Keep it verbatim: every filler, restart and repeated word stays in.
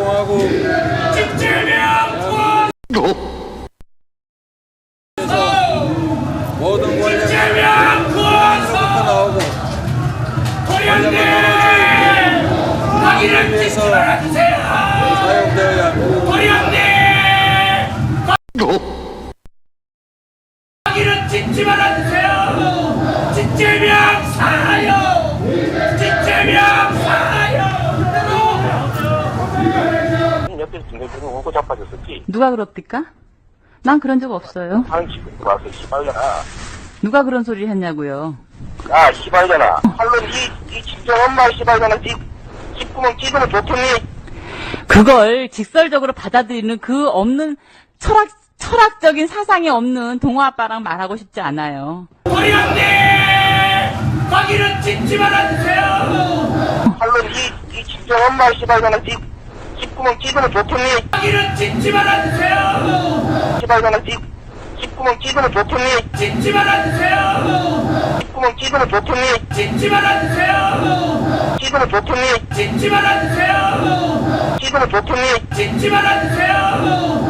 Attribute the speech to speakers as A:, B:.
A: 활동하고
B: 진짜면
A: 모든 권력이
B: 진짜면
A: 부터 나오고 권력은 오로지
B: 거기를
A: 위해서
B: 찍지 말아주세요.
A: 사용되어야 합니다.
B: 도련님 거기를 찍지 말아주세요. 진짜면 살아요. 진짜면 살아요.
C: 옆에서 중간중간 오고 자빠졌었지.
D: 누가 그럽니까? 난 그런 적 없어요.
C: 다른 집에 와서 시발려나.
D: 누가 그런 소리를 했냐고요.
C: 야, 시발려나. 할로 니, 니 친정 엄마 시발려나. 니, 뒷구멍 찌르면 좋겠니?
D: 그걸 직설적으로 받아들이는 그 없는 철학, 철학적인 사상이 없는 동호 아빠랑 말하고 싶지 않아요.
B: 도련님 거기를 찍지 말아주세요.
C: 할로 니, 니 친정 엄마 시발려나. 니, 뒷구멍 찌르면 좋겠니?
B: 거기를 찍지 말아주세요.
C: 시발려나. 니, 뒷구멍 찌르면 좋겠니?
B: 찍지 말아주세요.
C: 뒷구멍 찌르면 좋겠니?
B: 찍지 말아주세요.
C: 찌르면 좋겠니?
B: 찍지 말아주세요.
C: 찌르면 좋겠니?
B: 찍지 말아주세요.